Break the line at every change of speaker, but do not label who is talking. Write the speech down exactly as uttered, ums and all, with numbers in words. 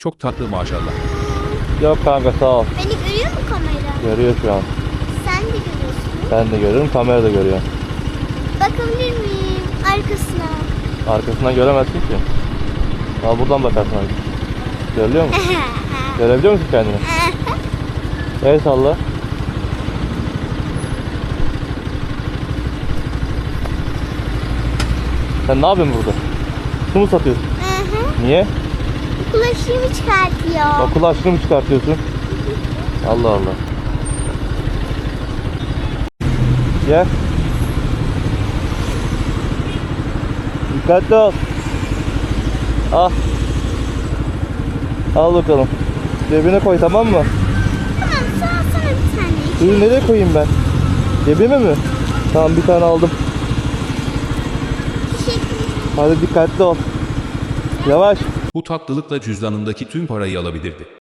Çok tatlı maşallah.
Yok kanka sağ ol.
Beni görüyor mu kamera?
Görüyor şu an.
Sen de görüyorsun.
Ben de görüyorum, kamera da görüyor.
Bakabilir miyim arkasına?
Arkasından göremezsin ki. Al buradan bakarsın abi. Görüyor musun? Görebiliyor musun kendini? El salla. Sen ne yapıyorsun burada? Su mu satıyorsun? Niye?
Bulaşığımı çıkartıyor.
Okul aşkını mı çıkartıyorsun? Allah Allah. Gel. Dikkatli ol. Al. Al bakalım. Cebine koy, tamam mı?
Tamam, sana sana bir tane.
Suyu nereye koyayım ben? Cebime mi? Tamam, bir tane aldım.
Teşekkür ederim.
Hadi dikkatli ol. Yavaş.
Bu tatlılıkla cüzdanındaki tüm parayı alabilirdi.